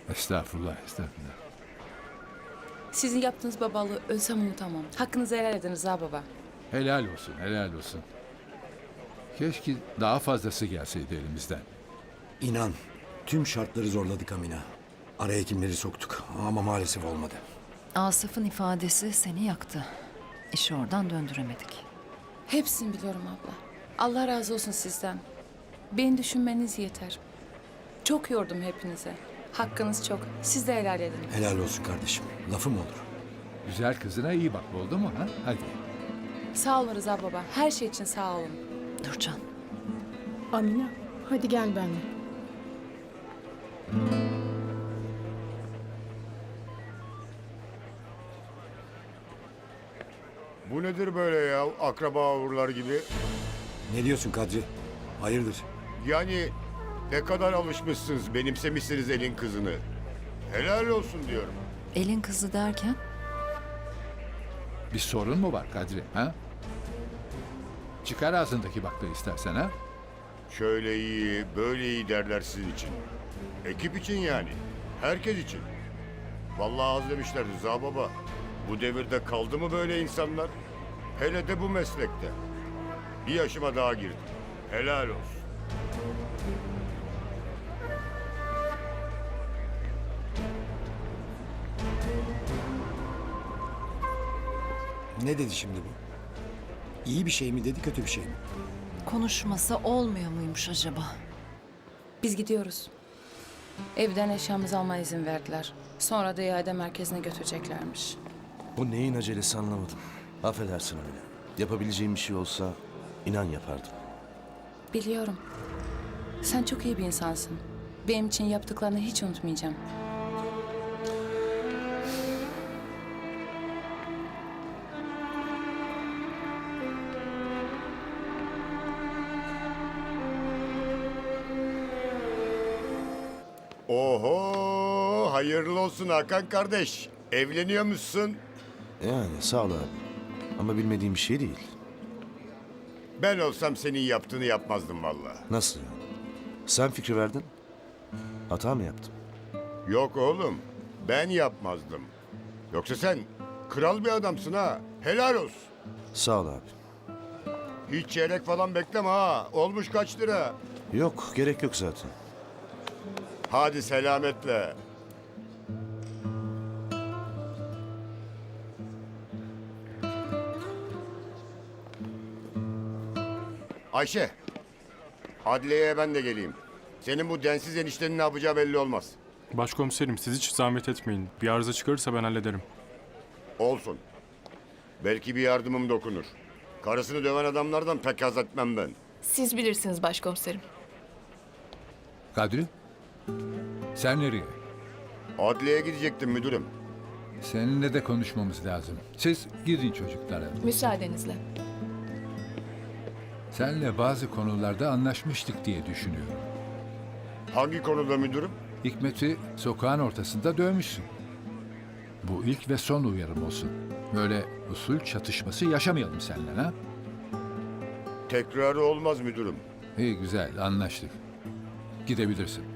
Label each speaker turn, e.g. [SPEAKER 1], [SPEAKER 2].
[SPEAKER 1] Estağfurullah, estağfurullah.
[SPEAKER 2] Sizin yaptığınız babalığı ölsem unutamam. Hakkınızı helal edin Rıza baba.
[SPEAKER 1] Helal olsun, helal olsun. Keşke daha fazlası gelseydi elimizden.
[SPEAKER 3] İnan, tüm şartları zorladık Amina. Araya kimleri soktuk ama maalesef olmadı.
[SPEAKER 4] Asaf'ın ifadesi seni yaktı. İşi oradan döndüremedik.
[SPEAKER 2] Hepsini biliyorum abla. Allah razı olsun sizden. Beni düşünmeniz yeter. Çok yordum hepinize. Hakkınız çok. Siz de helal edin.
[SPEAKER 3] Helal olsun kardeşim. Lafım olur.
[SPEAKER 1] Güzel kızına iyi bak, oldu mu ha? Hadi.
[SPEAKER 2] Sağ olun Rıza baba. Her şey için sağ olun.
[SPEAKER 4] Nurcan,
[SPEAKER 5] Amina, hadi gel benimle.
[SPEAKER 6] Bu nedir böyle ya? Akraba uğurlar gibi.
[SPEAKER 3] Ne diyorsun Kadri? Hayırdır?
[SPEAKER 6] Yani ne kadar alışmışsınız, benimsemişsiniz elin kızını. Helal olsun diyorum.
[SPEAKER 4] elin kızı derken?
[SPEAKER 1] Bir sorun mu var Kadri, ha? Çıkar ağzındaki bakla istersen, ha?
[SPEAKER 6] Şöyle iyi, böyle iyi derler sizin için. Ekip için yani. Herkes için. Vallahi az demişler Rıza baba. Bu devirde kaldı mı böyle insanlar? Hele de bu meslekte. Bir yaşıma daha girdim. Helal olsun.
[SPEAKER 3] Ne dedi şimdi bu? İyi bir şey mi dedi, kötü bir şey mi?
[SPEAKER 4] Konuşmasa olmuyor muymuş acaba?
[SPEAKER 2] Biz gidiyoruz. Evden eşyamızı almaya izin verdiler. Sonra da iade merkezine götüreceklermiş.
[SPEAKER 7] Bu neyin acelesi anlamadım. Affedersin Amine. Yapabileceğim bir şey olsa inan yapardım.
[SPEAKER 2] Biliyorum. Sen çok iyi bir insansın. Benim için yaptıklarını hiç unutmayacağım.
[SPEAKER 6] Oho, hayırlı olsun Hakan kardeş. Evleniyor musun?
[SPEAKER 7] Yani sağ ol abi. Ama bilmediğim bir şey değil.
[SPEAKER 6] Ben olsam senin yaptığını yapmazdım vallahi.
[SPEAKER 7] Nasıl yani? Sen fikri verdin. Hata mı yaptım?
[SPEAKER 6] Yok oğlum, ben yapmazdım. Yoksa sen kral bir adamsın ha. Helal olsun.
[SPEAKER 7] Sağ ol abi.
[SPEAKER 6] Hiç çeyrek falan bekleme ha. Olmuş kaç lira?
[SPEAKER 7] Yok gerek yok zaten.
[SPEAKER 6] Hadi selametle. Ayşe, adliyeye ben de geleyim. Senin bu densiz eniştenin ne yapacağı belli olmaz.
[SPEAKER 8] Başkomiserim siz hiç zahmet etmeyin. Bir arıza çıkarırsa ben hallederim.
[SPEAKER 6] Olsun. Belki bir yardımım dokunur. Karısını döven adamlardan pek haz etmem ben.
[SPEAKER 9] Siz bilirsiniz başkomiserim.
[SPEAKER 1] Kadri, sen nereye?
[SPEAKER 6] Adliyeye gidecektim müdürüm.
[SPEAKER 1] Seninle de konuşmamız lazım. Siz gidin çocuklara.
[SPEAKER 9] Müsaadenizle.
[SPEAKER 1] Seninle bazı konularda anlaşmıştık diye düşünüyorum.
[SPEAKER 6] Hangi konuda müdürüm?
[SPEAKER 1] Hikmet'i sokağın ortasında dövmüşsün. Bu ilk ve son uyarım olsun. Böyle usul çatışması yaşamayalım seninle, ha?
[SPEAKER 6] Tekrarı olmaz müdürüm.
[SPEAKER 1] İyi, güzel, anlaştık. Gidebilirsin.